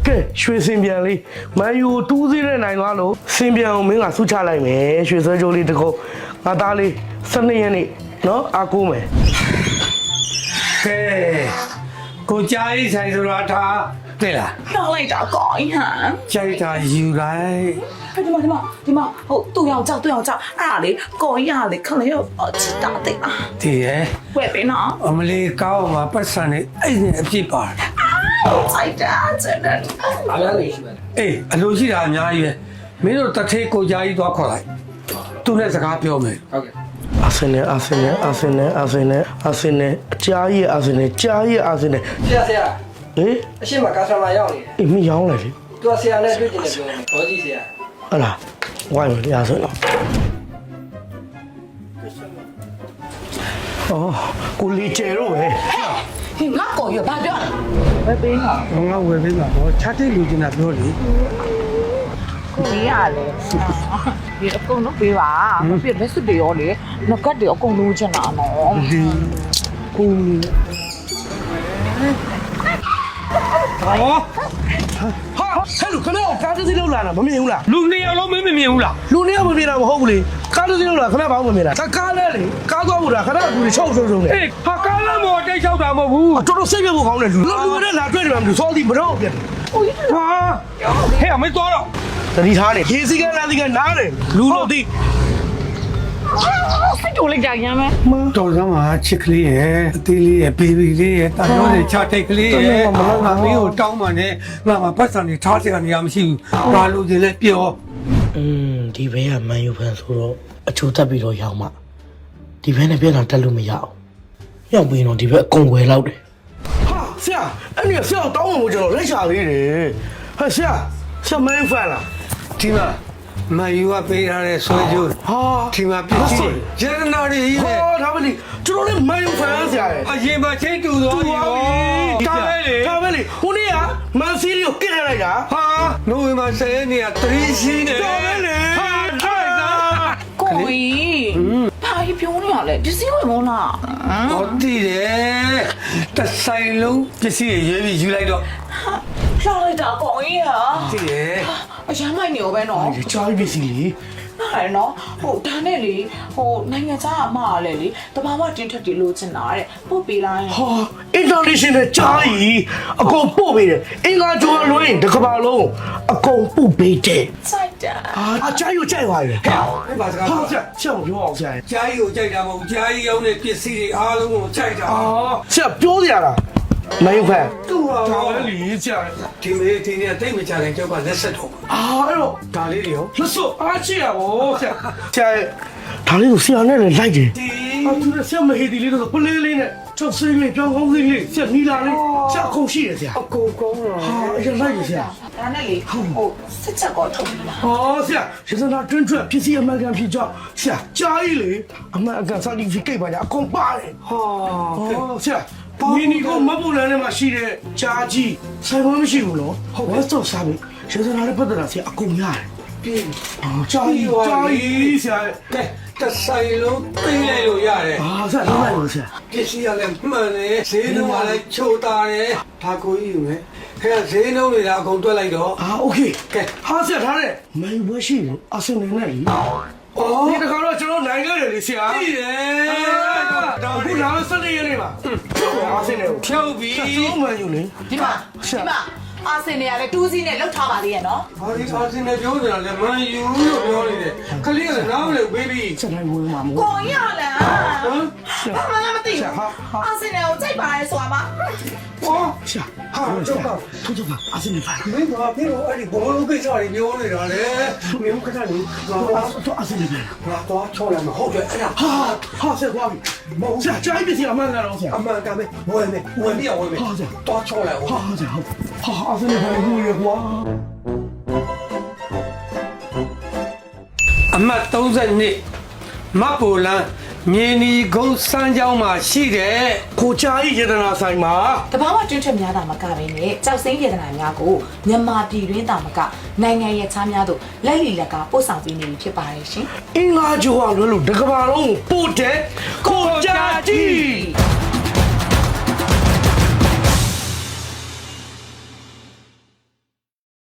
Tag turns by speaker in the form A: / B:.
A: ကဲရွှေစင်ပြန်လေးမန်ယူတူးသေးတဲ့နိုင်သွားလို့စင်ပြန်ကိုမင်းကဆုချလိုက်မယ်ရွှေဆွဲကြိုးလေးတကုတ်ငါသားလေး12ရက်နေ့နော်အားကိုးမယ်
B: ကဲကိုကြားရေးဆိုင်ဆိုတာထားတဲ့လား
C: နောက်လိုက်တာကောင်းဟမ်
B: ကြိုက်တာယူလိုက်
C: ဒီမှာဟိုသူ့ယောက်ျားအဲ့ဒါလေကောင်းရလေခလေးရောချစ်တာတဲ့
B: တည်ရဲ့
C: ဝယ်ပေးနော်
B: အမလေးကောင်းမှာပတ်စံနေအဲ့ဒီအပြစ်ပါတယ်
C: စိုက်တာချက်တယ်
D: အားလုံးလေးရှိပါတယ်
B: အေးအလိုရှိတာအများကြီးပဲမင်းတို့တထေးကိုကြားကြီးသွားခေါ်လိုက်သူနဲ့စကားပြောမယ်
D: ဟုတ်ကဲ့
A: အာဆင်နယ်အကြားကြီးအာဆင်နယ်ကြားကြီးအာဆင်နယ်
D: ဆရာ
A: ဟေး
D: အရှိမကာဆာမာရောက်နေတယ်
A: အေးမရောင်းလိုက်လေ
D: သူကဆရာနဲ့တွေ့ကျင်တယ်ပြောတယ်ဘောကြီးဆရာ
A: ဟုတ်လားဝိုင်းမယ်ရာဆိုတော့အော်ကိုလီကျဲတော့ပဲ
C: ဟင်ငါကောင်းရဘာပြောလဲဝယ်ပေးနော်
B: ငါဝယ်ပေးမှာပေါ့ချတဲ့လူချင်းတာပြောလေ
C: ကိုကြီးရလေဒီအကုန်လုံးပေးပါမပြည့်လက်စွပ်တွေရောလေငကတ်တွေအကုန်လုံးချင်တာနော်
B: ဒီကို
A: ဟာဟဲ့လူခဏကားတစ်စီးလောက်လာတာမမြင်ဘူးလား
B: လူနှစ်ယောက်လုံးမင်းမမြင်ဘူးလား
A: လူနှစ်ယောက်မမြင်တာမဟုတ်ဘူးလေကားတစ်စီးလောက်လာခဏဘာမှမမြင်တာကားလဲလေကားသွားဖို့တာခဏကူတွေချုပ်နေ
B: အေးဟာကားလမ်းပေါ်တိတ်ချောက်တာမဟုတ်ဘူး
A: တော်တော်စိတ်ပြဖို့ကောင်းတယ်လူနဲ့လာတွေ့တယ်မှမလို့စောသည်မတော့ပြတ်
B: ဟာဟဲ့အမေသွားတော့
A: တတိထားတယ်ရေစီကနာစီကနားတယ်လူလို့သိ
C: စိတ်တိုးလိုက်ကြရမ်းမယ်
B: တော်စမ်းမှာချစ်ကလေးရဲ့အသေးလေးရဲ့ဘေဘီလေးရဲ့တာရောတဲ့ချတိတ်ကလေးရဲ့ငါမင်းကိုတောင်းမှနဲ့ငါမှာပတ်စံနေထားစရာနေရာမရှိဘူးဘာလို့ဒီလဲပြော
A: ဒီဘဲကမန်ယူဖန်ဆိုတော့အချိုးတက်ပြီးတော့ရောက်မှဒီဘဲနဲ့ပြန်လာတက်လို့မရအောင်ရောက်ပြီးတော့ဒီဘက်အကုန်ွယ်လောက်တယ်ဟာဆရာအဲ့ဒီဆရာတောင်းလို့ကျွန်တော်လက်ချသေးတယ်ဟာဆရာမန်ယူဖန်လား
B: ဒီမှာမယူကပေးထားတဲ့ဆွဲကြိုး
A: ဟာ
B: ဒီမှာပြည့်စုံရတနာတွေကြီး
A: ဟော
B: နဲ့
A: ဒါပဲလေကျွန်တော်လည်းမန်ယူဖန်ဆရာရဲ့
B: အရင်မှချင်းတူသွားပြီကားပဲလေ
A: ဒါပဲလေဟိုနေ့ကမန်စီးရီကိုကစ်ထလိုက်တာ
B: ဟာနိုဝင်ဘာ10ရက်နေ့က3ရှိနေ
A: ဒါပဲလေ
B: ဟာထိုက်သား
C: ကိုကြီးဘာကြီးပြောနေရလဲပစ္စည်းဝင်မလား
B: ဟောတည်တယ်တဆိုင်လုံးပစ္စည်းရွေးပြီးယူလိုက်တော့
C: လှလိုက်တာကောင်းကြီးဟာ
B: တည်တယ်
C: အရမ်းမိုက်နေရောပဲနော်
A: ဒီချားပစ္စည်းလေ
C: ဟာနော်ဟိုဒါနဲ့လေဟိုနိုင်ငံခြားအမကလည်းလေတဘာဝတင်းထက်တီလို့ချင်တာတဲ့ပို့ပေးလိုက်
A: ဟာ international ကြားကြီးအကုန်ပို့ပေးတယ်အင်္ဂါကျော်လွှင်းတစ်ကမ္ဘာလုံးအကုန်ပို့ပေးတယ်
C: စိုက်တာ
A: အကြားကြီးကိုကြိုက်သွားပြီ
B: ဟဲ့ဘာစကား
A: ဟာ
B: ပြော
A: ဆရာမပြောအောင်ဆရာ
B: ကြားကြီးကိုကြိုက်တာမဟုတ်ကြားကြီးရောင်းတဲ့ပစ္စည်းတွေအားလုံးကိုကြိုက်တာ
A: ဆရာပြောစရာလားမင်းဖန်
B: တူပါ
A: ဒါ
B: တော့
A: ပဲလေဆရာ
B: ဒီမေးဒီနေ့တိတ်မကြခင်ကျောက်ကလက်ဆက်တော့
A: အဲ့တော့
B: ဒါလေးတွေရော
A: လက်စောအားချရပါဆရာဒါလေးကိုဆရာနဲ့လည်းလိုက်တယ်
B: ဒီ
A: သူလည်းဆရာမဟေဒီလေးတော့ပလေးလေးနဲ့ချောက်စိမ့်လေးပြောင်းကောင်းစိမ့်လေးဆရာနီလာလေးဆရာအခုရှိတယ်ဆရာ
B: အကုန်ကောင်းတော့
A: ဟာအရင်လိုက်ရဆရာ
C: ဒါနဲ့လေဟိုစစ်ချက်ကောထုတ်ပြီလား
A: ဟောဆရာရစနာတွင်းထွက်ဖြစ်စီအမှန်ကန်ဖြစ်ကြောင်းဆရာကြားကြီးလေအမှန်အကန် certificate ပါကြအကုန်ပါတယ်
B: ဟာ
A: ဟောဆရာမီနီကိုမပူလန်ထဲမှာရှိတဲ့ကြားကြီးဆိုင်ဝဲမရှိဘူးနော်ဟုတ်ဝက်တော့စားပြီရစနာနဲ့ပတ်သက်တာဆရာအကုန်ရတယ်
B: ပြီ
A: ကြားကြီးဆရာ
B: ကဲတဆိုင်လုံးသိလိုက်လို့ရတယ်
A: ဟာဆရာလုံးလိုက်လို့ဆရာ
B: ပစ္စည်းရလည်းမှန်တယ်ဈေးနှုန်းကလည်းချိုတာတယ်ဒါကိုကြီးယူမယ်ခဲဈေးနှုန်းတွေကအကုန်တွက်လိုက်တော့
A: အာโอเค
B: ကဲ
A: ဟာဆရာထားတဲ့မန်ယူဘွဲရှိတယ်အဆင်နေနဲ့လीဒီတခါတော့ကျွန်တော်နိုင်ခဲ့တယ်လေဆရာ
B: ကြည့်တယ်
A: ဒါအခုလာလို့17ရက်နေပါအဆင်နေကို
B: ဖြုတ်ပြီး
A: ကျွန်တော်မန်ယူလေ
C: ဒီမှာအာစင်တွေကလည်းတူးစီးနဲ့လှုပ်ထားပါသေးရဲ့နော်
B: ဘာဒီအာစင်နဲ့ပြောနေတာလဲမန်ယူလို့ပြောနေတယ်ခလေးကလည်းနားမလဲဘေဘီ
A: စက်တိုင်းဝင်မှာမို့
C: ကိုရလား
B: ဟမ်
C: ဘာမှမသိဘူးအာစင်တွေကိုကြိုက်ပါရဲဆိုတာမှ
B: ဟော
A: ဆရာဟာတော့ထုတ်ထုတ်ပါအဆင်နေပါ
B: မင်းကပြေတော့အဲ့ဒီဘောလုံးကိစ္စတွေပြောနေတာလေမင်းကခဏလေးငါ
A: တော့အဆင်နေပါ
B: တော့ချောလိုက်မှာဟုတ်တယ်အဲ့ဒါ
A: ဟာဆရာသွားပြီမဟုတ်ဆရာကြားပြီဆရာအမှန်ကတော့ဆရာ
B: အမှန်ကပဲဝင်မယ်ဝင်ပြဝင်မယ်တော့ချောလိုက်အောင်
A: ဟာဆရာဟာအဆင်နေပါဘူးရေကွာ
B: အမှတ်32မတ်ပိုလန်မြေနီကုန်းစမ်းကြောင်းမှာရှိတဲ့
A: ကိုကြားကြီးရတနာဆိုင်မှာ
C: တဘာဝတွင်းထွက်များတာမကဘဲနဲ့ကြောက်စိမ့်ရတနာများကိုမြန်မာပြည်တွင်းတာမကနိုင်ငံရဲ့ခြားများတို့လက်လီလက်ကပို့ဆောင်ပေးနေပြီဖြစ်ပါတယ်ရှင်
A: အင်္ဂါကျော်ကလွယ်လို့တကဘာလုံးကိုပို့တဲ့ကိုကြားကြီး